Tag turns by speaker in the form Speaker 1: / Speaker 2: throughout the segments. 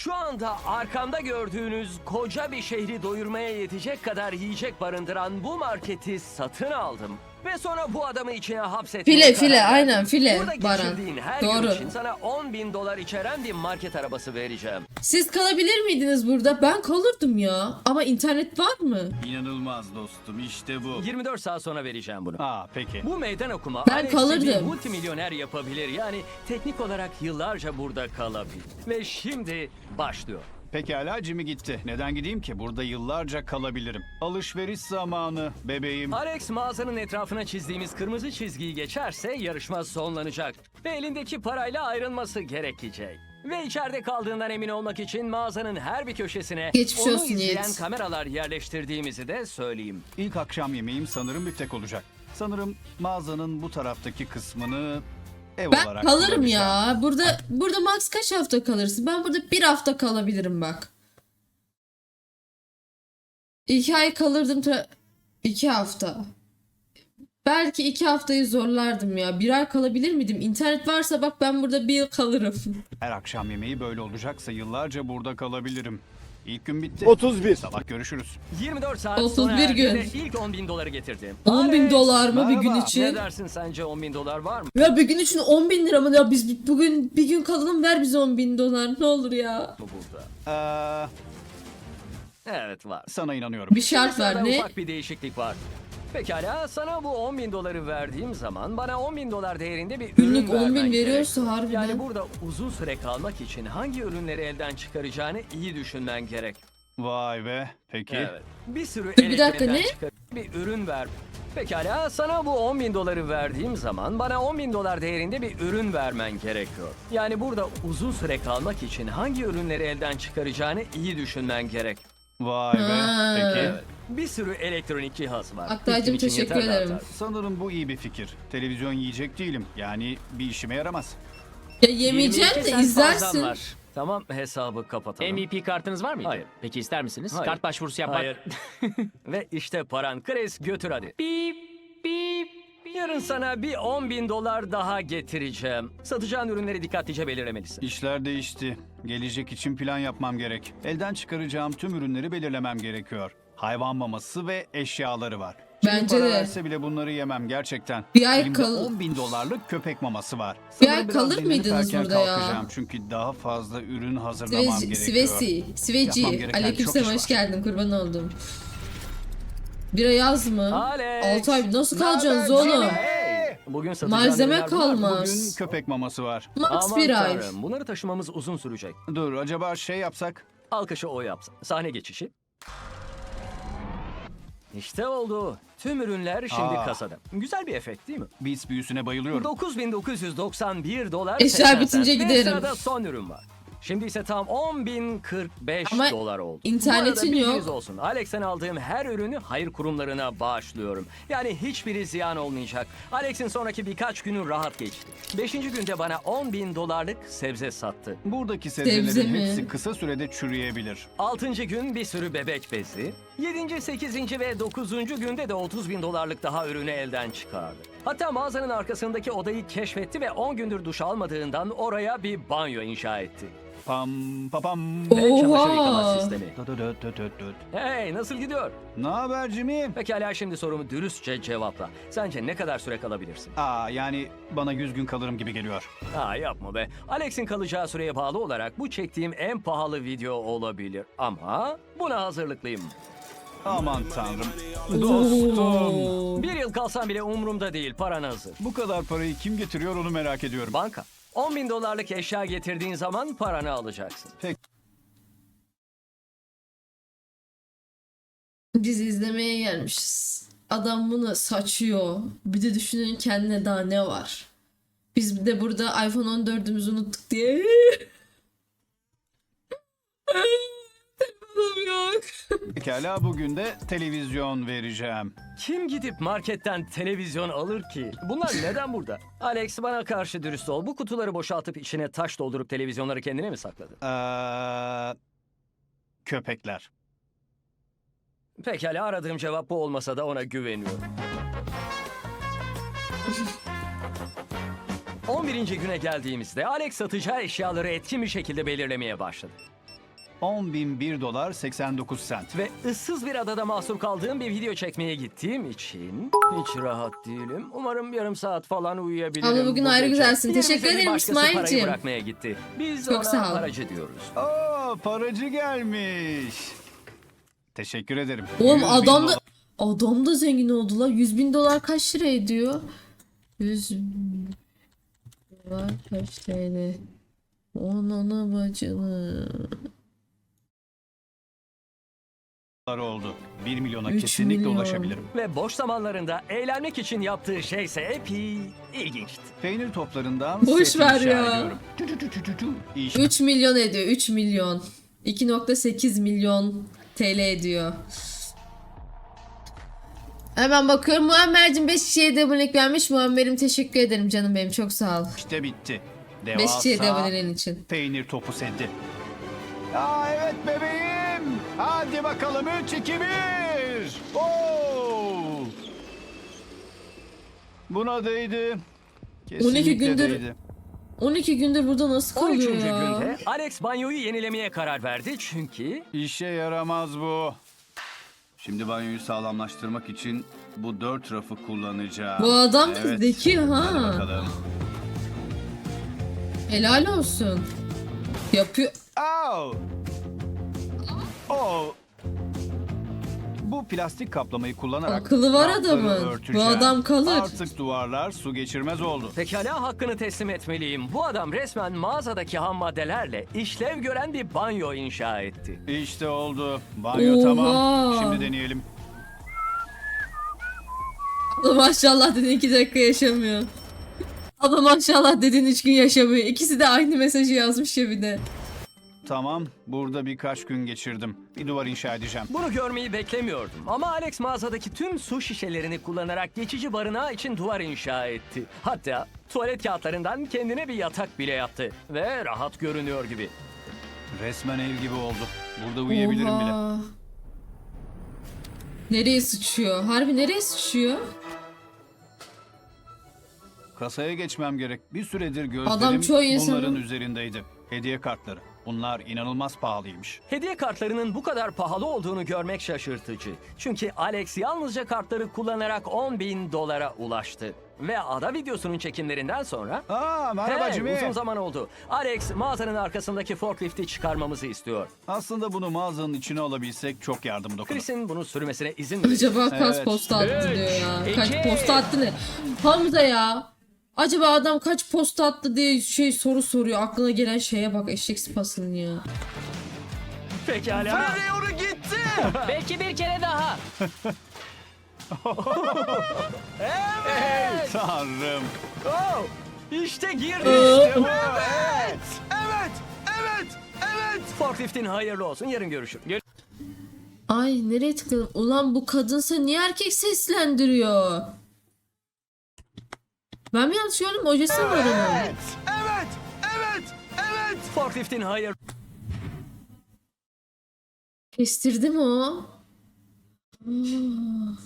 Speaker 1: Şu anda arkamda gördüğünüz koca bir şehri doyurmaya yetecek kadar yiyecek barındıran bu marketi satın aldım. Ve sonra bu adamı içine hapsetmeye
Speaker 2: File
Speaker 1: karar verdim.
Speaker 2: aynen file
Speaker 1: Burada
Speaker 2: Baran.
Speaker 1: geçirdiğin her gün
Speaker 2: Doğru.
Speaker 1: için sana 10.000 dolar içeren bir market arabası vereceğim.
Speaker 2: Siz kalabilir miydiniz burada? Ben kalırdım ya. Ama internet var mı?
Speaker 3: İnanılmaz dostum, işte bu.
Speaker 1: 24 saat sonra vereceğim bunu.
Speaker 3: Peki.
Speaker 1: Bu meydan okuma
Speaker 2: Ben
Speaker 1: Alex'i bir
Speaker 2: kalırdım.
Speaker 1: multimilyoner yapabilir. Yani teknik olarak yıllarca burada kalabilir. Ve şimdi başlıyor.
Speaker 3: Pekala, Jimmy gitti. Neden gideyim ki? Burada yıllarca kalabilirim. Alışveriş zamanı bebeğim.
Speaker 1: Alex mağazanın etrafına çizdiğimiz kırmızı çizgiyi geçerse yarışma sonlanacak. Ve elindeki parayla ayrılması gerekecek. Ve içeride kaldığından emin olmak için mağazanın her bir köşesine
Speaker 2: Geçmiş
Speaker 1: onu
Speaker 2: olsun
Speaker 1: izleyen
Speaker 2: Yiğit.
Speaker 1: kameralar yerleştirdiğimizi de söyleyeyim.
Speaker 3: İlk akşam yemeğim sanırım biftek olacak. Sanırım mağazanın bu taraftaki kısmını ev
Speaker 2: Ben
Speaker 3: olarak
Speaker 2: kalırım
Speaker 3: kullanacağım.
Speaker 2: ya. Burada max kaç hafta kalırsın? Ben burada bir hafta kalabilirim bak. 2 ay kalırdım. 2 hafta. Belki 2 haftayı zorlardım ya. 1 ay kalabilir miydim? İnternet varsa bak ben burada bir yıl kalırım.
Speaker 3: Her akşam yemeği böyle olacaksa yıllarca burada kalabilirim. İlk gün bitti.
Speaker 4: 31.
Speaker 3: Sabah görüşürüz.
Speaker 1: 24 saat
Speaker 2: 31
Speaker 1: sonra erdi
Speaker 2: gün.
Speaker 1: ve ilk 10.000 doları getirdim.
Speaker 2: 10.000
Speaker 1: Alex,
Speaker 2: dolar mı bir gün
Speaker 3: merhaba.
Speaker 1: Ne
Speaker 2: için?
Speaker 1: dersin, sence 10.000 dolar var mı
Speaker 2: Ya bir gün için 10.000 lira mı? Ya biz bugün bir gün kalalım, ver bize 10.000 dolar. Ne olur ya.
Speaker 1: burada? Evet, var.
Speaker 3: Sana inanıyorum.
Speaker 2: Bir şart
Speaker 1: Sırada
Speaker 2: var ne?
Speaker 1: ufak bir değişiklik var. Pekala, sana bu 10.000 doları verdiğim zaman bana 10.000 dolar değerinde bir
Speaker 2: Günlük
Speaker 1: ürün
Speaker 2: 10.000
Speaker 1: vermen
Speaker 2: veriyorsa
Speaker 1: gerek.
Speaker 2: harbiden.
Speaker 1: Yani burada uzun süre kalmak için hangi ürünleri elden çıkaracağını iyi düşünmen gerek.
Speaker 3: Vay be. Peki.
Speaker 1: Evet. Bir sürü
Speaker 2: Dur, bir dakika,
Speaker 1: elektrikten
Speaker 2: ne?
Speaker 1: bir ürün ver. Pekala, sana bu 10.000 doları verdiğim zaman bana 10.000 dolar değerinde bir ürün vermen gerekiyor. Yani burada uzun süre kalmak için hangi ürünleri elden çıkaracağını iyi düşünmen gerek.
Speaker 3: Vay be.
Speaker 2: Ha.
Speaker 3: Peki.
Speaker 1: Evet. Bir sürü elektronik cihaz var.
Speaker 2: Aktaycığım,
Speaker 1: İlkin için
Speaker 2: teşekkür
Speaker 1: yeterli
Speaker 2: ederim.
Speaker 1: artar.
Speaker 3: Sanırım bu iyi bir fikir. Televizyon yiyecek değilim. Yani bir işime yaramaz.
Speaker 2: Ya yemeyeceksin
Speaker 1: 22
Speaker 2: de
Speaker 1: sent fazlan
Speaker 2: izlersin.
Speaker 1: var. Tamam, hesabı kapatalım.
Speaker 5: MVP kartınız var mıydı?
Speaker 1: Hayır.
Speaker 5: Peki ister misiniz?
Speaker 1: Hayır.
Speaker 5: Kart başvurusu yapmak.
Speaker 1: Hayır. Ve işte paran. Chris, götür hadi.
Speaker 5: Bip bip.
Speaker 1: Yarın sana bir 10.000 dolar daha getireceğim. Satacağın ürünleri dikkatlice belirlemelisin.
Speaker 3: İşler değişti. Gelecek için plan yapmam gerek. Elden çıkaracağım tüm ürünleri belirlemem gerekiyor. Hayvan maması ve eşyaları var. Şimdi
Speaker 2: Bence
Speaker 3: para
Speaker 2: de.
Speaker 3: verse bile bunları yemem gerçekten.
Speaker 2: Bir ay
Speaker 3: Elimde
Speaker 2: kal-
Speaker 3: 10.000 dolarlık köpek maması var.
Speaker 2: Bir
Speaker 3: Sanırım
Speaker 2: ay
Speaker 3: biraz
Speaker 2: kalır
Speaker 3: dinlenip
Speaker 2: mıydınız
Speaker 3: erken
Speaker 2: burada ya?
Speaker 3: kalkacağım. Çünkü daha fazla ürün hazırlamam gerekiyor.
Speaker 2: Sveci.
Speaker 3: Yapmam gereken
Speaker 2: Aleykümselam,
Speaker 3: çok iş
Speaker 2: hoş
Speaker 3: var.
Speaker 2: geldin, kurban oldum. Bira yaz mı?
Speaker 1: Alex.
Speaker 2: 6 ay nasıl
Speaker 3: Naber
Speaker 2: kalacaksınız
Speaker 3: Jimmy?
Speaker 2: oğlum?
Speaker 1: Bugün satacağın
Speaker 2: Malzeme
Speaker 1: ürünler bunlar.
Speaker 2: kalmaz.
Speaker 3: Bugün köpek maması var.
Speaker 2: Max
Speaker 1: Aman
Speaker 2: bir ay.
Speaker 1: tanrım, bunları taşımamız uzun sürecek.
Speaker 3: Dur, acaba şey yapsak?
Speaker 1: Alkışı o yapsın. Sahne geçişi. İşte oldu. Tüm ürünler şimdi kasada. Güzel bir efekt değil mi?
Speaker 3: Beats büyüsüne bayılıyorum.
Speaker 1: 9.991 dolar.
Speaker 2: Eşya
Speaker 1: 80
Speaker 2: bitince
Speaker 1: sent. Ve
Speaker 2: giderim.
Speaker 1: sırada son ürün var. Şimdi ise tam 10.045
Speaker 2: Ama
Speaker 1: dolar oldu.
Speaker 2: internetin
Speaker 1: Bu arada bilginiz
Speaker 2: yok.
Speaker 1: olsun. Alex'ten aldığım her ürünü hayır kurumlarına bağışlıyorum. Yani hiçbiri ziyan olmayacak. Alex'in sonraki birkaç günü rahat geçti. 5. günde bana 10.000 dolarlık sebze sattı.
Speaker 3: Buradaki
Speaker 2: Sebze
Speaker 3: sebzelerin
Speaker 2: mi?
Speaker 3: hepsi kısa sürede çürüyebilir.
Speaker 1: 6. gün bir sürü bebek bezi. 7. 8. ve 9. günde de 30.000 dolarlık daha ürünü elden çıkardı. Hatta mağazanın arkasındaki odayı keşfetti ve 10 gündür duş almadığından oraya bir banyo inşa etti.
Speaker 3: Pam papam.
Speaker 1: Ve çamaşır yıkama
Speaker 2: Oha.
Speaker 1: sistemi.
Speaker 3: Döt.
Speaker 1: Hey, nasıl gidiyor?
Speaker 3: Ne haber Jimmy?
Speaker 1: Pekala, şimdi sorumu dürüstçe cevapla. Sence ne kadar süre kalabilirsin?
Speaker 3: Yani bana 100 gün kalırım gibi geliyor.
Speaker 1: Yapma be. Alex'in kalacağı süreye bağlı olarak bu çektiğim en pahalı video olabilir. Ama buna hazırlıklıyım.
Speaker 3: Aman tanrım. Dostum.
Speaker 2: Oo.
Speaker 1: 1 yıl kalsam bile umurumda değil. Paran hazır.
Speaker 3: Bu kadar parayı kim getiriyor onu merak ediyorum.
Speaker 1: Banka. 10.000 dolarlık eşya getirdiğin zaman paranı alacaksın.
Speaker 2: Biz izlemeye gelmişiz. Adam bunu saçıyor. Bir de düşünün kendine daha ne var. Biz de burada iPhone 14'ümüzü unuttuk diye. Telefonum yok.
Speaker 3: Pekala, bugün de televizyon vereceğim.
Speaker 1: Kim gidip marketten televizyon alır ki? Bunlar neden burada? Alex, bana karşı dürüst ol. Bu kutuları boşaltıp içine taş doldurup televizyonları kendine mi sakladın?
Speaker 3: Köpekler.
Speaker 1: Pekala, aradığım cevap bu olmasa da ona güveniyorum. 11. güne geldiğimizde Alex satacağı eşyaları etkin bir şekilde belirlemeye başladı.
Speaker 3: 10.001 dolar 89 sent.
Speaker 1: Ve ıssız bir adada mahsur kaldığım bir video çekmeye gittiğim için hiç rahat değilim. Umarım yarım saat falan uyuyabilirim.
Speaker 2: Abla bugün
Speaker 1: bu
Speaker 2: ayrı
Speaker 1: gece.
Speaker 2: güzelsin.
Speaker 1: Yerimize
Speaker 2: Teşekkür
Speaker 1: bir
Speaker 2: ederim
Speaker 1: başkası parayı
Speaker 2: İsmail'cim.
Speaker 1: bırakmaya gitti. Biz
Speaker 2: Çok
Speaker 1: ona
Speaker 2: sağ ol.
Speaker 1: paracı diyoruz.
Speaker 3: Aa, paracı gelmiş. Teşekkür ederim.
Speaker 2: Oğlum
Speaker 3: 100.000
Speaker 2: adam da
Speaker 3: dolar.
Speaker 2: adam da zengin oldu la. 100.000 dolar kaç lira ediyor? 100.000 dolar kaç TL? Onun bacını.
Speaker 3: oldu. 1 milyona
Speaker 2: 3
Speaker 3: kesinlikle
Speaker 2: milyon.
Speaker 3: ulaşabilirim.
Speaker 1: Ve boş zamanlarında eğlenmek için yaptığı şeyse epey ilginçti.
Speaker 3: Peynir toplarından
Speaker 2: Boş
Speaker 3: set
Speaker 2: ver
Speaker 3: inşa
Speaker 2: ya.
Speaker 3: ediyorum. İş
Speaker 2: 3 milyon ediyor. 3 milyon. 2.8 milyon TL ediyor. Hemen bakıyorum. Muammer'cim 5 kişiye de abonelik vermiş. Muammer'im teşekkür ederim canım benim. Çok sağ ol.
Speaker 3: işte bitti.
Speaker 2: 5 kişiye de
Speaker 3: Devasa
Speaker 2: aboneliğin için.
Speaker 3: peynir topu seti. Aa evet bebeğim. Hadi bakalım 3 2 1. Oo! Buna değdi.
Speaker 2: 12 gündür-
Speaker 3: değdi.
Speaker 2: 12 gündür burada nasıl
Speaker 1: 13.
Speaker 2: kalıyor ya?
Speaker 1: günde Alex banyoyu yenilemeye karar verdi çünkü
Speaker 3: İşe yaramaz bu. Şimdi banyoyu sağlamlaştırmak için bu 4 rafı kullanacağım.
Speaker 2: Bu adam da
Speaker 3: Evet.
Speaker 2: zeki
Speaker 3: Hadi
Speaker 2: ha.
Speaker 3: bakalım.
Speaker 2: Helal olsun. Yapıyor.
Speaker 3: Au! Oh! Bu plastik kaplamayı kullanarak
Speaker 2: Akıllı var
Speaker 3: rafları
Speaker 2: adamın. Bu
Speaker 3: örteceğim.
Speaker 2: adam kalır.
Speaker 3: Artık duvarlar su geçirmez oldu.
Speaker 1: pekala hakkını teslim etmeliyim. Bu adam resmen mağazadaki ham maddelerle işlev gören bir banyo inşa etti.
Speaker 3: İşte oldu. Banyo
Speaker 2: Oha!
Speaker 3: tamam. Şimdi deneyelim.
Speaker 2: Ama maşallah dedin 2 dakika yaşamıyor. Ama maşallah dedin 3 gün yaşamıyor. İkisi de aynı mesajı yazmış ya bir de.
Speaker 3: Tamam. Burada birkaç gün geçirdim. Bir duvar inşa edeceğim.
Speaker 1: Bunu görmeyi beklemiyordum ama Alex mağazadaki tüm su şişelerini kullanarak geçici barınağı için duvar inşa etti. Hatta tuvalet kağıtlarından kendine bir yatak bile yaptı ve rahat görünüyor gibi.
Speaker 3: Resmen ev gibi oldu. Burada uyuyabilirim bile.
Speaker 2: Oha. Nereye sıçıyor? Harbi nereye sıçıyor?
Speaker 3: Kasaya geçmem gerek. Bir süredir gözlerim
Speaker 2: Adam çoğu insanın-
Speaker 3: bunların üzerindeydi. Hediye kartları. Bunlar inanılmaz pahalıymış.
Speaker 1: Hediye kartlarının bu kadar pahalı olduğunu görmek şaşırtıcı. Çünkü Alex yalnızca kartları kullanarak 10.000 dolara ulaştı. Ve ada videosunun çekimlerinden sonra...
Speaker 3: Aa merhaba
Speaker 1: Hey,
Speaker 3: Jimmy.
Speaker 1: uzun zaman oldu. Alex mağazanın arkasındaki forklifti çıkarmamızı istiyor.
Speaker 3: Aslında bunu mağazanın içine alabilsek çok yardım dokunur.
Speaker 1: Chris'in bunu sürmesine izin verin.
Speaker 2: Acaba kaç
Speaker 3: Evet.
Speaker 2: posta attı
Speaker 1: Üç,
Speaker 2: diyor ya.
Speaker 1: iki.
Speaker 2: Kaç posta attı ne? Hamza ya. Acaba adam kaç posta attı diye soru soruyor. Aklına gelen şeye bak eşek sıpasının ya.
Speaker 1: Pekala.
Speaker 3: onu gitti.
Speaker 5: Belki bir kere daha.
Speaker 1: Evet.
Speaker 3: Tanrım.
Speaker 1: Oh, işte girdi.
Speaker 2: Evet.
Speaker 3: Evet. Evet. Evet. Evet.
Speaker 1: Forkliftin hayırlı olsun. Yarın görüşürüz.
Speaker 2: Ay nereye tıkladım? Ulan bu kadınsa niye erkek seslendiriyor? Ben mi yanlış gördüm? Ojesi mi var onun?
Speaker 3: Evet. Evet. Evet.
Speaker 1: Forkliftin hayır.
Speaker 2: Kestirdi mi o? Ah.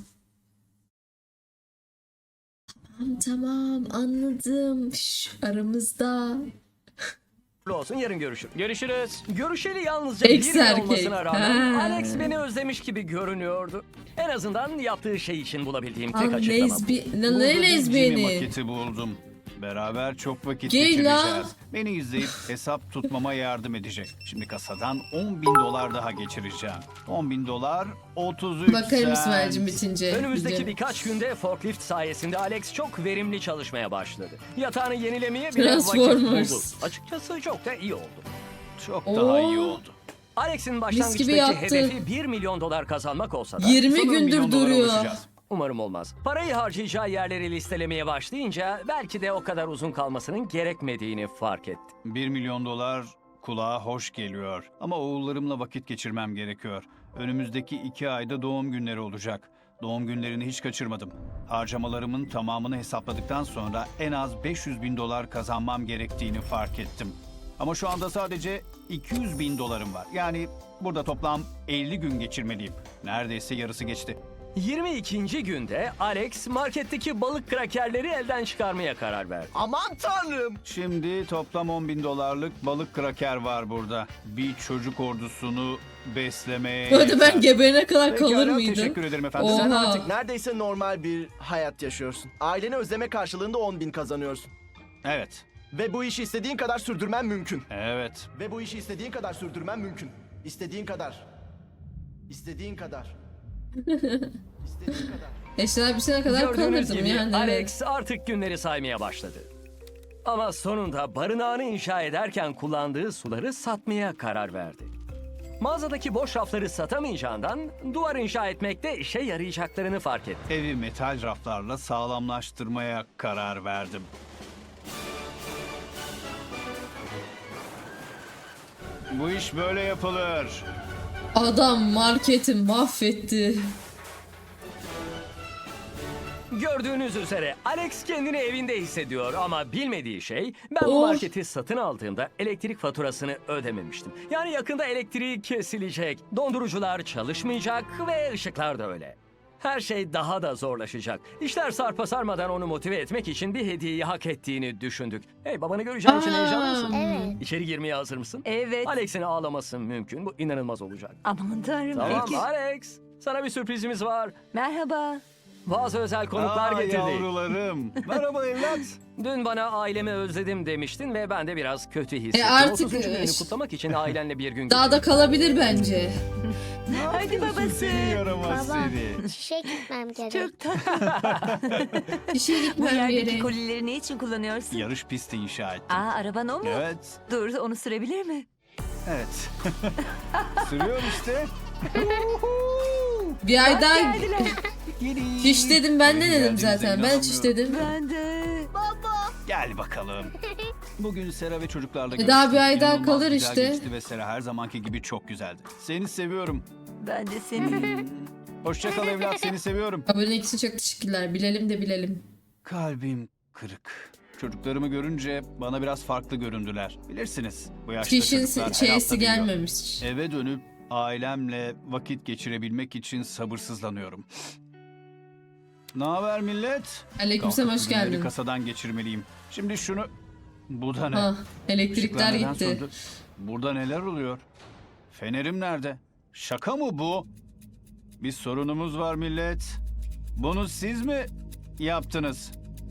Speaker 2: Tamam anladım. Aramızda.
Speaker 1: olsun. Yarın görüşürüz.
Speaker 5: Görüşürüz.
Speaker 1: Görüşeli yalnızca
Speaker 2: Ex
Speaker 1: bir gün
Speaker 2: erkek.
Speaker 1: olmasına rağmen
Speaker 2: Ha.
Speaker 1: Alex beni özlemiş gibi görünüyordu. En azından yaptığı şey için bulabildiğim tek
Speaker 2: Lan
Speaker 1: açıklama bu.
Speaker 2: ne
Speaker 3: Burada bir Jimmy
Speaker 2: lezbiyeni?
Speaker 3: maketi buldum. Beraber çok vakit
Speaker 2: Gel
Speaker 3: geçireceğiz.
Speaker 2: la.
Speaker 3: Beni izleyip hesap tutmama yardım edecek. Şimdi kasadan 10.000 dolar daha geçireceğim. 10.000 dolar 33
Speaker 2: Bakarım
Speaker 3: sent.
Speaker 2: İsmail'cim bitince.
Speaker 1: Önümüzdeki
Speaker 2: video.
Speaker 1: birkaç günde forklift sayesinde Alex çok verimli çalışmaya başladı. Yatağını yenilemeye bile vakit
Speaker 2: Transformers.
Speaker 1: buldu. Açıkçası çok da iyi oldu.
Speaker 3: Çok
Speaker 2: Oo.
Speaker 3: daha iyi oldu.
Speaker 1: Alex'in
Speaker 2: gibi
Speaker 1: başlangıçtaki
Speaker 2: yaptı.
Speaker 1: hedefi 1 milyon dolar kazanmak olsa da
Speaker 2: 20
Speaker 3: Sanırım
Speaker 2: gündür
Speaker 3: milyon dolara
Speaker 2: duruyor.
Speaker 3: ulaşacağız.
Speaker 1: umarım olmaz. Parayı harcayacağı yerleri listelemeye başlayınca belki de o kadar uzun kalmasının gerekmediğini fark etti.
Speaker 3: 1 milyon dolar kulağa hoş geliyor. Ama oğullarımla vakit geçirmem gerekiyor. Önümüzdeki 2 ayda doğum günleri olacak. Doğum günlerini hiç kaçırmadım. Harcamalarımın tamamını hesapladıktan sonra en az 500.000 dolar kazanmam gerektiğini fark ettim. Ama şu anda sadece 200.000 dolarım var. Yani burada toplam 50 gün geçirmeliyim. Neredeyse yarısı geçti.
Speaker 1: 22. günde Alex marketteki balık krakerleri elden çıkarmaya karar verdi.
Speaker 4: Aman tanrım.
Speaker 3: Şimdi toplam 10.000 dolarlık balık kraker var burada. Bir çocuk ordusunu beslemeye
Speaker 2: Bu arada
Speaker 3: yeter.
Speaker 2: ben geberene kadar kalır
Speaker 3: Pekala,
Speaker 2: mıydım?
Speaker 3: teşekkür ederim efendim.
Speaker 2: Oha.
Speaker 4: Sen artık neredeyse normal bir hayat yaşıyorsun. Aileni özleme karşılığında 10.000 kazanıyorsun.
Speaker 3: Evet.
Speaker 4: Ve bu işi istediğin kadar sürdürmen mümkün.
Speaker 3: Evet.
Speaker 4: Ve bu işi istediğin kadar sürdürmen mümkün. İstediğin kadar. İstediğin kadar. İstediğin kadar.
Speaker 2: Eşler bir sene kadar
Speaker 1: Gördüğünüz
Speaker 2: kalırdım
Speaker 1: gibi
Speaker 2: yani.
Speaker 1: Alex artık günleri saymaya başladı. Ama sonunda barınağını inşa ederken kullandığı suları satmaya karar verdi. Mağazadaki boş rafları satamayacağından duvar inşa etmekte işe yarayacaklarını fark etti.
Speaker 3: Evi metal raflarla sağlamlaştırmaya karar verdim. Bu iş böyle yapılır.
Speaker 2: Adam marketi mahvetti.
Speaker 1: Gördüğünüz üzere Alex kendini evinde hissediyor ama bilmediği şey ben bu
Speaker 2: Oh.
Speaker 1: marketi satın aldığımda elektrik faturasını ödememiştim. Yani yakında elektriği kesilecek, dondurucular çalışmayacak ve ışıklar da öyle. Her şey daha da zorlaşacak. İşler sarpa sarmadan onu motive etmek için bir hediyeyi hak ettiğini düşündük. Hey, babanı göreceğin için heyecanlı mısın?
Speaker 6: Evet.
Speaker 1: İçeri girmeye hazır mısın?
Speaker 6: Evet.
Speaker 1: Alex'in ağlaması mümkün. Bu inanılmaz olacak.
Speaker 6: Aman tanrım.
Speaker 1: Tamam
Speaker 6: Peki.
Speaker 1: Alex, sana bir sürprizimiz var.
Speaker 6: Merhaba.
Speaker 1: Bazı özel konuklar getirdik.
Speaker 3: Yavrularım. Merhaba evlat.
Speaker 1: Dün bana ailemi özledim demiştin ve ben de biraz kötü hissettim.
Speaker 2: Artık
Speaker 1: 30. gününü kutlamak için ailenle bir gün
Speaker 2: Daha da kalabilir bence.
Speaker 6: Hadi babası.
Speaker 3: Seni yaramaz
Speaker 7: Baba,
Speaker 3: seni.
Speaker 7: işe gitmem gerek.
Speaker 6: Çok tatlı.
Speaker 2: İşe
Speaker 6: Bu
Speaker 2: gitmem
Speaker 6: yerdeki
Speaker 2: gerek.
Speaker 6: kolileri ne için kullanıyorsun?
Speaker 3: Yarış pisti inşa ettim.
Speaker 6: Aa, araban o mu?
Speaker 3: Evet.
Speaker 6: Dur, onu sürebilir mi?
Speaker 3: Evet. Sürüyor işte.
Speaker 2: Bir ay daha
Speaker 6: Geldiler.
Speaker 2: çiş dedim ben de
Speaker 3: Benim
Speaker 2: dedim
Speaker 3: geldiğimize
Speaker 2: zaten. Ben çiş dedim.
Speaker 6: Ben de.
Speaker 3: Gel bakalım. Bugün Sera ve çocuklarla
Speaker 2: E daha bir ay daha
Speaker 3: İnanılmaz
Speaker 2: kalır
Speaker 3: güzel
Speaker 2: işte.
Speaker 3: geçti ve Sera her zamanki gibi çok güzeldi. Seni seviyorum.
Speaker 6: Ben de seni.
Speaker 3: Hoşça kal evlat, seni seviyorum.
Speaker 2: Abonelik için çok teşekkürler. Bilelim de bilelim.
Speaker 3: Kalbim kırık. Çocuklarımı görünce bana biraz farklı göründüler. Bilirsiniz bu yaşta
Speaker 2: Çişin
Speaker 3: çocuklar her hafta
Speaker 2: şeysi
Speaker 3: büyüyor.
Speaker 2: gelmemiş.
Speaker 3: Eve dönüp ailemle vakit geçirebilmek için sabırsızlanıyorum. Ne haber millet?
Speaker 2: Aleykümselam, hoş
Speaker 3: Kalkıp ürünleri
Speaker 2: geldin.
Speaker 3: kasadan geçirmeliyim. Şimdi şunu... Bu da ne?
Speaker 2: Ha, elektrikler
Speaker 3: Işıklar neden
Speaker 2: gitti.
Speaker 3: söndü? Burada neler oluyor? Fenerim nerede? Şaka mı bu? Bir sorunumuz var millet. Bunu siz mi yaptınız?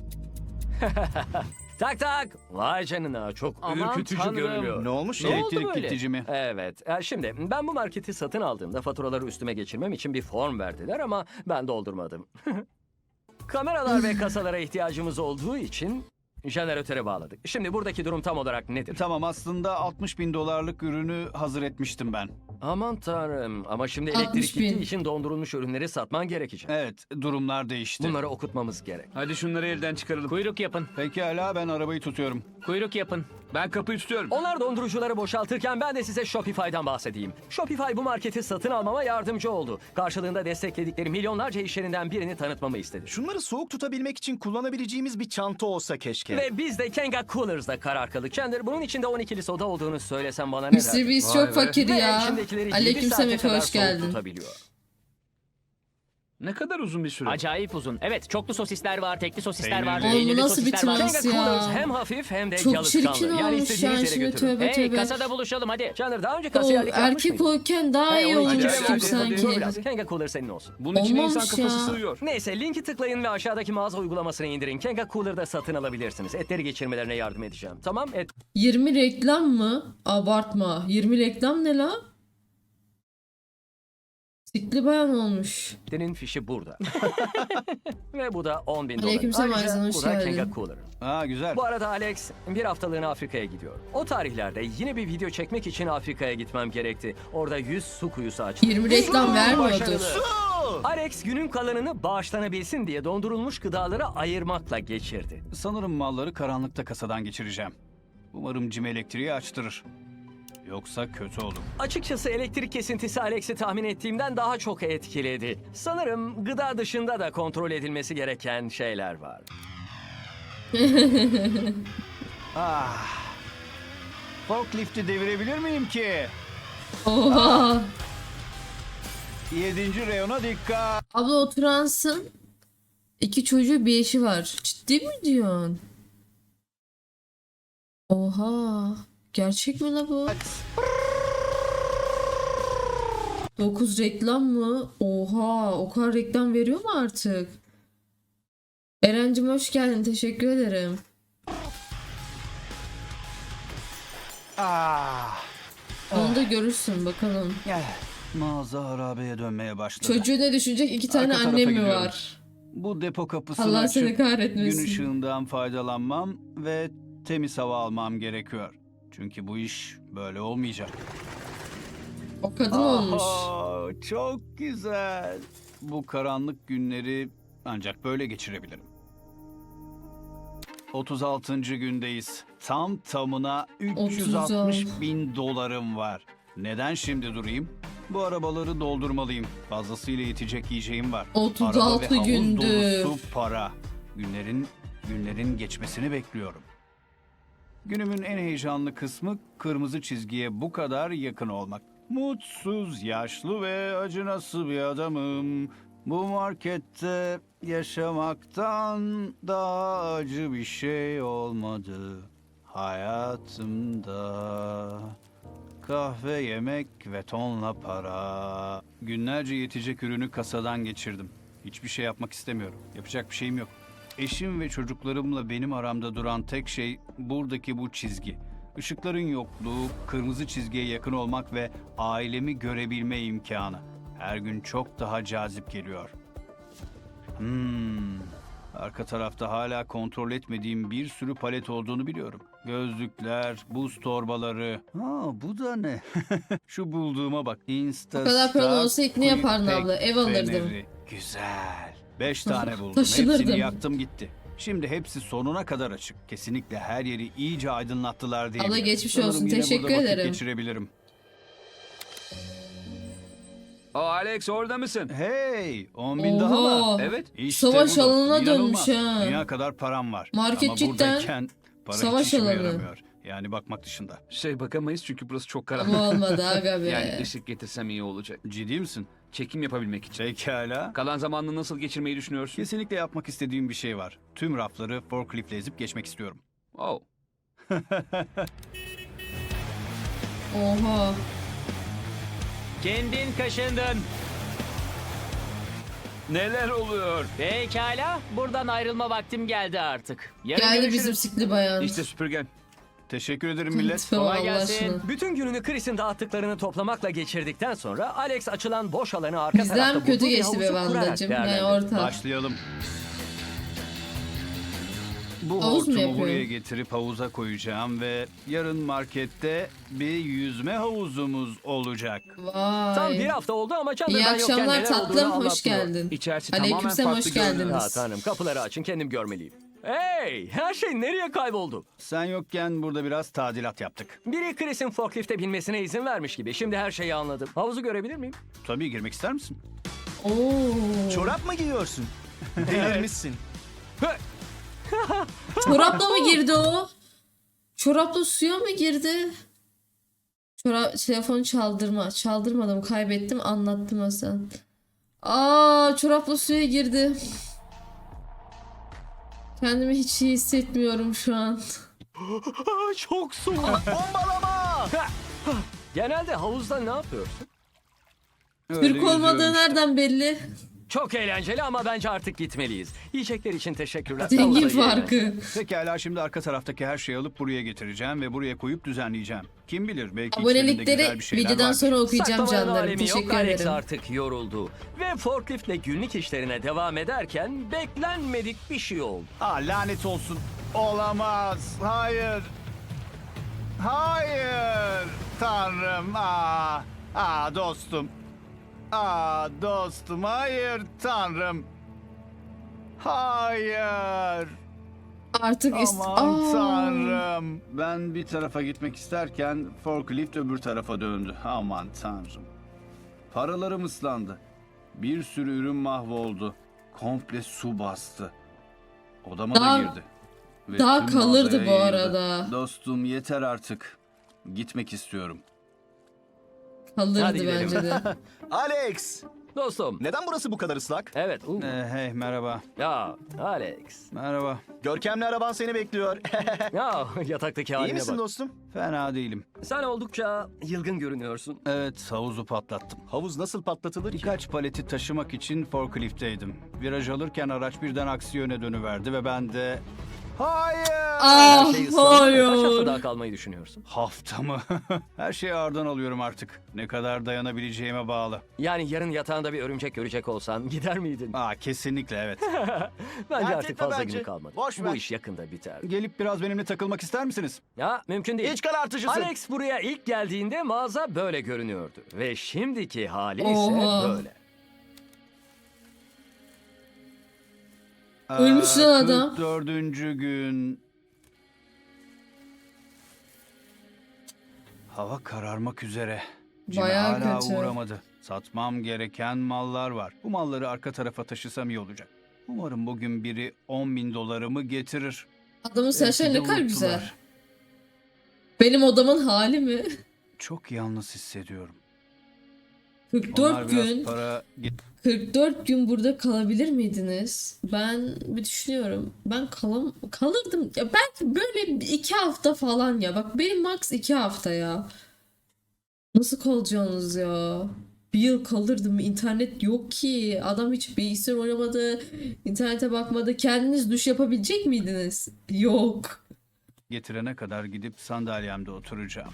Speaker 1: Tak tak. Vay canına, çok
Speaker 5: Aman
Speaker 1: ürkütücü
Speaker 5: tanrım.
Speaker 1: görünüyor.
Speaker 4: Ne olmuş
Speaker 5: Ne
Speaker 4: ya?
Speaker 5: oldu
Speaker 3: Elektrik
Speaker 5: böyle?
Speaker 3: gidici mi?
Speaker 1: Evet. Şimdi ben bu marketi satın aldığımda faturaları üstüme geçirmem için bir form verdiler ama ben doldurmadım. Kameralar ve kasalara ihtiyacımız olduğu için jeneratöre bağladık. Şimdi buradaki durum tam olarak nedir?
Speaker 3: Tamam, aslında 60.000 dolarlık ürünü hazır etmiştim ben.
Speaker 1: Aman tanrım, ama şimdi
Speaker 2: 60
Speaker 1: elektrik
Speaker 2: bin.
Speaker 1: gittiği için dondurulmuş ürünleri satman gerekecek.
Speaker 3: Evet, durumlar değişti.
Speaker 1: Bunları okutmamız gerek.
Speaker 5: Hadi şunları elden çıkaralım. Kuyruk yapın.
Speaker 3: Pekala, ben arabayı tutuyorum.
Speaker 5: Kuyruk yapın. Ben kapıyı tutuyorum.
Speaker 1: Onlar dondurucuları boşaltırken ben de size Shopify'dan bahsedeyim. Shopify bu marketi satın almama yardımcı oldu. Karşılığında destekledikleri milyonlarca iş yerinden birini tanıtmamı istedi.
Speaker 4: Şunları soğuk tutabilmek için kullanabileceğimiz bir çanta olsa keşke.
Speaker 1: Ve biz de Kenga Coolers'da karar kıldık. Chandler, bunun içinde 12'li soda olduğunu söylesem bana ne
Speaker 2: Mr.
Speaker 1: derdin?
Speaker 2: Beast
Speaker 5: Vay
Speaker 2: çok
Speaker 5: be.
Speaker 2: fakir
Speaker 1: Ve
Speaker 2: ya.
Speaker 1: içindekileri 7
Speaker 2: Aleykümselam
Speaker 1: saate
Speaker 2: Efe,
Speaker 1: kadar
Speaker 2: hoş
Speaker 1: soğuk
Speaker 2: geldin.
Speaker 1: tutabiliyor.
Speaker 5: Ne kadar uzun bir süre.
Speaker 8: Acayip uzun. Evet, çoklu sosisler var, tekli sosisler
Speaker 3: Peynirli.
Speaker 8: var,
Speaker 3: Oğlum, bu
Speaker 8: peynirli
Speaker 2: nasıl bir
Speaker 8: sosisler var.
Speaker 2: trans?
Speaker 1: Kenga
Speaker 2: ya.
Speaker 1: Coolers hem hafif hem de
Speaker 2: Çok
Speaker 1: yalıtkanlı.
Speaker 2: çirkin
Speaker 1: Yani
Speaker 2: olmuş
Speaker 1: istediğiniz
Speaker 2: yani
Speaker 1: yere
Speaker 2: şimdi,
Speaker 1: götürün.
Speaker 2: tövbe
Speaker 8: Hey,
Speaker 2: tövbe.
Speaker 8: kasada buluşalım hadi.
Speaker 1: Chandler, daha önce
Speaker 2: O
Speaker 1: kasiyerlik yapmış
Speaker 2: erkek
Speaker 1: mıydın?
Speaker 2: olurken daha
Speaker 1: Hey,
Speaker 2: iyi
Speaker 1: o
Speaker 2: olmuş
Speaker 1: içine
Speaker 2: gibi
Speaker 1: hadi,
Speaker 2: sanki.
Speaker 1: dur biraz. Kenga Cooler senin olsun.
Speaker 5: Bunun içine insan
Speaker 2: Olmamış
Speaker 5: kafası
Speaker 2: ya.
Speaker 5: sığıyor.
Speaker 1: Neyse, linki tıklayın ve aşağıdaki mağaza uygulamasını indirin. Kenga Cooler'da satın alabilirsiniz. Etleri geçirmelerine yardım edeceğim. Tamam,
Speaker 2: 20 reklam mı? Abartma. 20 reklam ne la? Sikli bayan olmuş.
Speaker 1: etlerin fişi burada. Ve bu da 10.000 dolar.
Speaker 2: Aleykümselam
Speaker 1: Ayrıca
Speaker 2: Arzan, hoş
Speaker 1: bu da
Speaker 2: geldin.
Speaker 1: Kenga Cooler.
Speaker 3: Ha, güzel.
Speaker 1: Bu arada Alex bir haftalığına Afrika'ya gidiyor. O tarihlerde yine bir video çekmek için Afrika'ya gitmem gerekti. Orada 100 su kuyusu açtım.
Speaker 2: 20 reklam vermiyordur.
Speaker 1: Başarılı. Alex günün kalanını bağışlanabilsin diye dondurulmuş gıdaları ayırmakla geçirdi.
Speaker 3: Sanırım malları karanlıkta kasadan geçireceğim. Umarım Jim elektriği açtırır. Yoksa kötü olur.
Speaker 1: Açıkçası elektrik kesintisi Alex'i tahmin ettiğimden daha çok etkiledi. Sanırım gıda dışında da kontrol edilmesi gereken şeyler var.
Speaker 3: Forklifti devirebilir miyim ki?
Speaker 2: Oha.
Speaker 3: 7. reyona dikkat.
Speaker 2: Abla oturansın. 2 çocuğu bir eşi var. Ciddi mi diyorsun? Oha. Gerçek mi la bu? 9 reklam mı? Oha. O kadar reklam veriyor mu artık? Erencim hoş geldin. Teşekkür ederim. Onu da görürsün bakalım.
Speaker 3: Mağaza harabeye dönmeye başladı.
Speaker 2: Çocuğu ne düşünecek? 2 tane
Speaker 3: Arka tarafa
Speaker 2: annem mi
Speaker 3: gidiyorum.
Speaker 2: var?
Speaker 3: Bu depo kapısını
Speaker 2: Allah
Speaker 3: açıp
Speaker 2: seni kahretmesin.
Speaker 3: gün ışığından faydalanmam ve temiz hava almam gerekiyor. Çünkü bu iş böyle olmayacak.
Speaker 2: O kadın olmuş.
Speaker 3: Çok güzel. Bu karanlık günleri ancak böyle geçirebilirim. 36. gündeyiz. Tam tamına 360 bin dolarım var. Neden şimdi durayım? Bu arabaları doldurmalıyım. Fazlasıyla yetecek yiyeceğim var.
Speaker 2: 36
Speaker 3: Araba ve havuz
Speaker 2: gündü.
Speaker 3: dolusu para. Günlerin geçmesini bekliyorum. Günümün en heyecanlı kısmı kırmızı çizgiye bu kadar yakın olmak. Mutsuz, yaşlı ve acınası bir adamım. Bu markette yaşamaktan daha acı bir şey olmadı hayatımda. Kahve, yemek ve tonla para. Günlerce yetecek ürünü kasadan geçirdim. Hiçbir şey yapmak istemiyorum. Yapacak bir şeyim yok. Eşim ve çocuklarımla benim aramda duran tek şey buradaki bu çizgi. Işıkların yokluğu, kırmızı çizgiye yakın olmak ve ailemi görebilme imkanı. Her gün çok daha cazip geliyor. Arka tarafta hala kontrol etmediğim bir sürü palet olduğunu biliyorum. Gözlükler, buz torbaları. Bu da ne? Şu bulduğuma bak.
Speaker 2: O kadar paran olsa ilk ne yapardın
Speaker 3: Quick
Speaker 2: abla? Ev alırdım.
Speaker 3: feneri. Güzel. 5 tane buldum.
Speaker 2: Taşınırdım.
Speaker 3: Hepsini yaktım gitti. Şimdi hepsi sonuna kadar açık. Kesinlikle her yeri iyice aydınlattılar diye.
Speaker 2: Abla geçmiş
Speaker 3: Sanırım
Speaker 2: olsun.
Speaker 3: yine
Speaker 2: Teşekkür
Speaker 3: burada vakit
Speaker 2: ederim.
Speaker 3: geçirebilirim.
Speaker 5: Alex orada mısın?
Speaker 3: Hey, 10 bin daha mı?
Speaker 2: Oha.
Speaker 5: Evet.
Speaker 3: İşte
Speaker 2: Savaş
Speaker 3: bu dostum,
Speaker 2: alanına
Speaker 3: inanılmaz.
Speaker 2: dönmüş ha.
Speaker 3: Dünya kadar param var.
Speaker 2: Market
Speaker 3: Ama
Speaker 2: cidden
Speaker 3: buradayken para
Speaker 2: savaş
Speaker 3: hiç işime
Speaker 2: alanı.
Speaker 3: yaramıyor. Yani bakmak dışında.
Speaker 5: Bakamayız çünkü burası çok
Speaker 2: Ama
Speaker 5: karanlık.
Speaker 2: olmadı aga be.
Speaker 5: Yani ışık getirsem iyi olacak.
Speaker 3: Ciddi misin?
Speaker 5: Çekim yapabilmek için.
Speaker 3: Pekala.
Speaker 5: Kalan zamanını nasıl geçirmeyi düşünüyorsun?
Speaker 3: Kesinlikle yapmak istediğim bir şey var. Tüm rafları forkliftle ezip geçmek istiyorum.
Speaker 5: Oh.
Speaker 2: Oha.
Speaker 8: Kendin kaşındın.
Speaker 5: Neler oluyor?
Speaker 8: Pekala. Buradan ayrılma vaktim geldi artık. Yarın
Speaker 2: Geldi
Speaker 8: görüşürüz.
Speaker 2: bizim sikli bayan.
Speaker 5: İşte süpürgen.
Speaker 3: Teşekkür ederim millet.
Speaker 2: Tipe bak
Speaker 8: Kolay
Speaker 2: Allah
Speaker 8: gelsin.
Speaker 2: aşkına.
Speaker 1: Bütün gününü Chris'in dağıttıklarını toplamakla geçirdikten sonra Alex açılan boş alanı arka
Speaker 2: Bizden
Speaker 1: tarafta
Speaker 2: kötü
Speaker 1: bulduğu bir
Speaker 2: geçti be
Speaker 1: havuzu kurarak
Speaker 2: Vandacığım. Yani
Speaker 1: değerlendirdi.
Speaker 2: orta.
Speaker 3: Başlayalım. Bu
Speaker 2: Havuz mu
Speaker 3: hortumu
Speaker 2: yapıyor?
Speaker 3: buraya getirip havuza koyacağım ve yarın markette bir yüzme havuzumuz olacak.
Speaker 1: Tam bir
Speaker 2: Vay.
Speaker 1: hafta oldu ama Chandler
Speaker 2: İyi
Speaker 1: ben yokken
Speaker 2: akşamlar
Speaker 1: neler
Speaker 2: tatlım.
Speaker 1: olduğunu
Speaker 2: Hoş
Speaker 1: anlatmıyor.
Speaker 2: geldin.
Speaker 5: İçerisi tamamen
Speaker 2: Aleykümselam
Speaker 5: farklı
Speaker 2: hoş
Speaker 5: görünüyor.
Speaker 2: geldiniz.
Speaker 1: Ya tanrım kapıları açın kendim görmeliyim. Hey her şey nereye kayboldu?
Speaker 3: Sen yokken burada biraz tadilat yaptık.
Speaker 1: Biri Chris'in forklifte binmesine izin vermiş gibi. Şimdi her şeyi anladım. Havuzu görebilir miyim?
Speaker 3: Tabii girmek ister misin?
Speaker 2: Oo.
Speaker 4: Çorap mı giyiyorsun? Delirmişsin.
Speaker 2: Çorapla mı girdi o? Çorapla suya mı girdi? Telefonu çaldırma. Çaldırmadım. Kaybettim. Anlattım Hasan. Çorapla suya girdi. Kendimi hiç iyi hissetmiyorum şu an.
Speaker 1: Çok soğuk.
Speaker 4: Bombalama!
Speaker 1: Genelde havuzda ne yapıyorsun?
Speaker 3: Öyle
Speaker 2: Türk olmadığı
Speaker 3: yüzüyorum işte.
Speaker 2: nereden belli?
Speaker 1: Çok eğlenceli ama bence artık gitmeliyiz. Yiyecekler için teşekkürler.
Speaker 2: Zengin
Speaker 1: Havuza girelim.
Speaker 2: farkı.
Speaker 3: Pekala şimdi arka taraftaki her şeyi alıp buraya getireceğim ve buraya koyup düzenleyeceğim. Kim bilir belki içlerinde güzel
Speaker 2: Abonelikleri
Speaker 3: bir şeyler
Speaker 2: videodan
Speaker 3: vardır.
Speaker 2: sonra okuyacağım
Speaker 1: Saklamanın
Speaker 2: canlarım.
Speaker 1: alemi yok.
Speaker 2: Teşekkür
Speaker 1: Alex
Speaker 2: ederim.
Speaker 1: artık yoruldu. Ve forkliftle günlük işlerine devam ederken beklenmedik bir şey oldu.
Speaker 3: Lanet olsun. Olamaz. Hayır. Hayır. Tanrım. Dostum. Dostum. Hayır Tanrım. Hayır.
Speaker 2: Artık
Speaker 3: Aman Tanrım. Ben bir tarafa gitmek isterken forklift öbür tarafa döndü. Aman Tanrım. Paralarım ıslandı. Bir sürü ürün mahvoldu. Komple su bastı. Odama
Speaker 2: Daha-
Speaker 3: da girdi. Ve
Speaker 2: daha
Speaker 3: tüm
Speaker 2: kalırdı
Speaker 3: mağazaya
Speaker 2: bu
Speaker 3: yayıldı.
Speaker 2: arada.
Speaker 3: Dostum yeter artık. Gitmek istiyorum.
Speaker 2: Kalırdı
Speaker 1: Hadi gidelim.
Speaker 2: bence de.
Speaker 4: Alex!
Speaker 1: Dostum.
Speaker 4: Neden burası bu kadar ıslak?
Speaker 1: Evet.
Speaker 3: Hey merhaba.
Speaker 1: Ya Alex.
Speaker 3: Merhaba.
Speaker 4: Görkemli araban seni bekliyor.
Speaker 1: Ya yataktaki
Speaker 4: İyi
Speaker 1: haline
Speaker 4: misin
Speaker 1: bak.
Speaker 4: dostum?
Speaker 3: Fena değilim.
Speaker 1: Sen oldukça yılgın görünüyorsun.
Speaker 3: Evet, havuzu patlattım.
Speaker 4: Havuz nasıl patlatılır ki?
Speaker 3: Birkaç paleti taşımak için forkliftteydim. Viraj alırken araç birden aksi yöne dönüverdi ve ben de... Hayır!
Speaker 1: Her
Speaker 2: Ah
Speaker 1: şey ıslandı. Kaç hafta
Speaker 2: hayır.
Speaker 1: daha kalmayı düşünüyorsun?
Speaker 3: Hafta mı? Her şeyi ağırdan alıyorum artık. Ne kadar dayanabileceğime bağlı.
Speaker 1: Yani yarın yatağında bir örümcek görecek olsan gider miydin?
Speaker 3: Kesinlikle evet.
Speaker 1: Bence
Speaker 4: Dert
Speaker 1: artık
Speaker 4: etme
Speaker 1: fazla
Speaker 4: bence.
Speaker 1: günü kalmadı.
Speaker 4: Boş
Speaker 1: Bu
Speaker 4: ver.
Speaker 1: iş yakında biter.
Speaker 3: Gelip biraz benimle takılmak ister misiniz?
Speaker 1: Ya mümkün değil.
Speaker 4: İç karartıcısın.
Speaker 1: Alex buraya ilk geldiğinde mağaza böyle görünüyordu. Ve şimdiki hali ise
Speaker 2: Oha.
Speaker 1: böyle.
Speaker 2: Ölmüş lan adam.
Speaker 3: 44. gün. Hava kararmak üzere. Jimmy
Speaker 2: Bayağı
Speaker 3: hala
Speaker 2: kötü.
Speaker 3: uğramadı. Satmam gereken mallar var. Bu malları arka tarafa taşısam iyi olacak. Umarım bugün biri $10.000 getirir.
Speaker 2: Adamın saçları ne
Speaker 3: Belki de
Speaker 2: kadar
Speaker 3: unuttular.
Speaker 2: güzel. Benim odamın hali mi?
Speaker 3: Çok yalnız hissediyorum.
Speaker 2: 44
Speaker 3: Onlar biraz
Speaker 2: gün.
Speaker 3: para
Speaker 2: 44 gün burada kalabilir miydiniz? Ben bir düşünüyorum. Ben kalırdım. Ya belki böyle 2 hafta falan ya. Bak benim max 2 hafta ya. Nasıl kalacaksınız ya? Bir yıl kalırdım. İnternet yok ki. Adam hiç bilgisayar oynamadı. İnternete bakmadı. Kendiniz duş yapabilecek miydiniz? Yok.
Speaker 3: getirene kadar gidip sandalyemde oturacağım.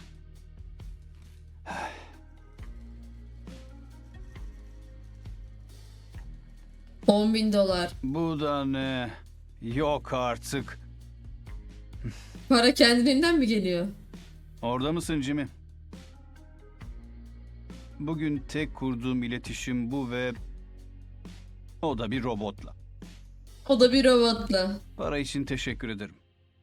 Speaker 2: $10.000.
Speaker 3: Bu da ne? Yok artık.
Speaker 2: Para kendiliğinden mi geliyor?
Speaker 3: Orada mısın Jimmy? Bugün tek kurduğum iletişim bu ve o da bir robotla.
Speaker 2: O da bir robotla.
Speaker 3: Para için teşekkür ederim.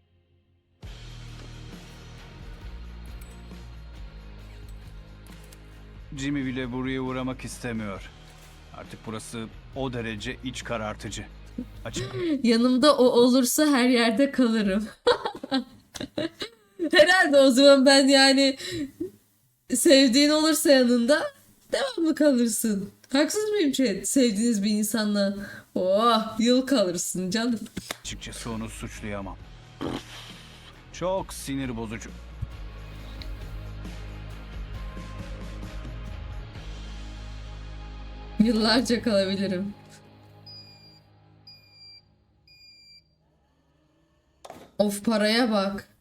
Speaker 3: Jimmy bile buraya uğramak istemiyor. Artık burası o derece iç karartıcı. Açık.
Speaker 2: Yanımda o olursa her yerde kalırım. Herhalde o zaman ben yani sevdiğin olursa yanında devamlı kalırsın. Haksız mıyım chat? Sevdiğiniz bir insanla yıl kalırsın canım.
Speaker 3: Açıkçası onu suçlayamam. Çok sinir bozucu.
Speaker 2: Yıllarca kalabilirim. Of paraya bak.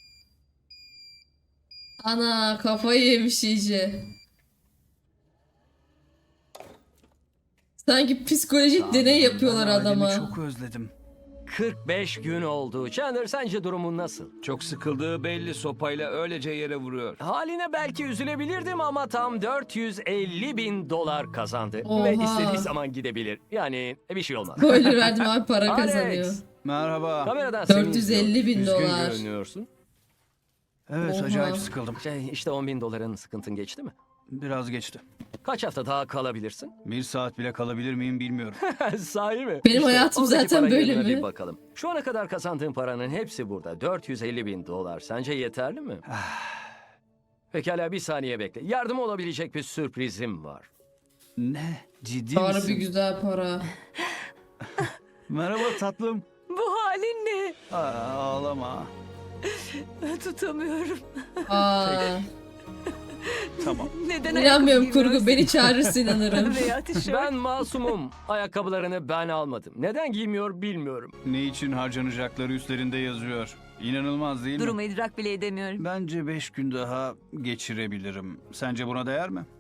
Speaker 2: Ana kafayı yemiş iyice. Sanki psikolojik deney yapıyorlar
Speaker 3: Ben ailemi
Speaker 2: adama.
Speaker 3: çok özledim.
Speaker 1: 45 gün oldu. Chandler sence durumun nasıl?
Speaker 5: Çok sıkıldığı belli, sopayla öylece yere vuruyor.
Speaker 1: Haline belki üzülebilirdim ama tam $450.000 kazandı.
Speaker 2: Oha.
Speaker 1: Ve istediği zaman gidebilir. Yani bir şey olmaz.
Speaker 2: Spoiler verdim abi para
Speaker 1: Alex,
Speaker 2: kazanıyor.
Speaker 3: Merhaba.
Speaker 1: Kameradan seni
Speaker 2: 450.000
Speaker 1: izliyorum. Üzgün
Speaker 2: dolar.
Speaker 1: görünüyorsun.
Speaker 3: Evet,
Speaker 2: Oha.
Speaker 3: acayip sıkıldım.
Speaker 1: İşte $10.000 sıkıntın geçti mi?
Speaker 3: Biraz geçti.
Speaker 1: Kaç hafta daha kalabilirsin?
Speaker 3: 1 saat bile kalabilir miyim bilmiyorum.
Speaker 1: Sahi mi?
Speaker 2: Benim hayatım
Speaker 1: oradaki
Speaker 2: zaten
Speaker 1: para
Speaker 2: böyle
Speaker 1: yerine
Speaker 2: mi?
Speaker 1: Bir bakalım. Şu ana kadar kazandığın paranın hepsi burada. $450.000. Sence yeterli mi? Pekala bir saniye bekle. Yardım olabilecek bir sürprizim var.
Speaker 3: Ne? Ciddi
Speaker 2: Harbi
Speaker 3: misin?
Speaker 2: güzel para.
Speaker 3: Merhaba tatlım.
Speaker 6: Bu halin ne?
Speaker 3: Ağlama.
Speaker 6: Tutamıyorum.
Speaker 2: Aa,
Speaker 3: Tamam.
Speaker 6: Neden
Speaker 2: inanmıyorum
Speaker 6: ayakkabı
Speaker 2: kurgu. Beni çağırırsın inanırım.
Speaker 6: giymiyorsun? Veya tişört.
Speaker 1: Ben masumum. Ayakkabılarını ben almadım. Neden giymiyor bilmiyorum.
Speaker 3: Ne için harcanacakları üstlerinde yazıyor. İnanılmaz değil mi?
Speaker 6: Durumu idrak bile edemiyorum.
Speaker 3: Bence 5 gün daha geçirebilirim. Sence buna değer mi?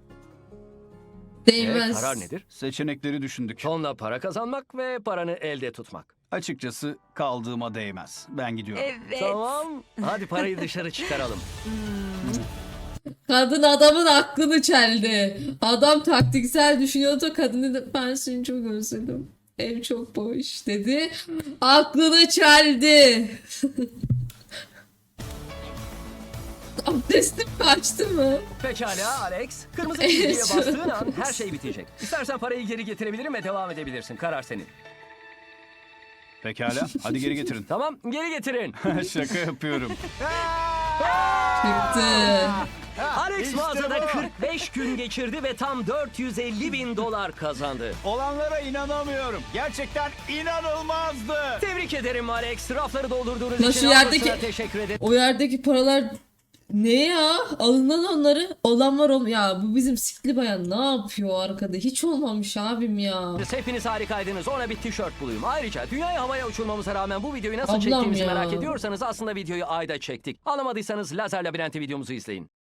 Speaker 2: Değmez.
Speaker 1: Karar nedir?
Speaker 3: Seçenekleri düşündük.
Speaker 1: Tonla para kazanmak ve paranı elde tutmak.
Speaker 3: Açıkçası kaldığıma değmez. Ben gidiyorum.
Speaker 6: Evet.
Speaker 1: Tamam. Hadi parayı dışarı çıkaralım.
Speaker 2: Kadın adamın aklını çeldi. Adam taktiksel düşünüyordu. Kadını da ben seni çok özledim. Ev çok boş dedi. Aklını çeldi. Abdestim kaçtı mı?
Speaker 1: Pekala Alex. Kırmızı çizgiye bastığın an her şey bitecek. İstersen parayı geri getirebilirim ve devam edebilirsin. Karar senin.
Speaker 3: Pekala. Hadi geri getirin.
Speaker 1: Tamam geri getirin.
Speaker 3: Şaka yapıyorum.
Speaker 2: Çıktı.
Speaker 1: Alex
Speaker 3: İşte
Speaker 1: mağazada
Speaker 3: bu.
Speaker 1: 45 gün geçirdi ve tam 450 bin dolar kazandı.
Speaker 3: Olanlara inanamıyorum. Gerçekten inanılmazdı.
Speaker 1: Tebrik ederim Alex. Rafları doldurduğunuz
Speaker 2: Lan
Speaker 1: için
Speaker 2: şu yerdeki-
Speaker 1: ablasına teşekkür ederim.
Speaker 2: O yerdeki paralar ne ya? Alınan onları. Olan var ya bu bizim sikli bayan ne yapıyor arkada? Hiç olmamış abim ya.
Speaker 1: Hepiniz harikaydınız. Ona bir tişört bulayım. Ayrıca dünyayı havaya uçurmamıza rağmen bu videoyu nasıl
Speaker 2: Ablam
Speaker 1: çektiğimizi
Speaker 2: ya.
Speaker 1: merak ediyorsanız aslında videoyu ayda çektik. Anlamadıysanız Lazer Labirenti videomuzu izleyin.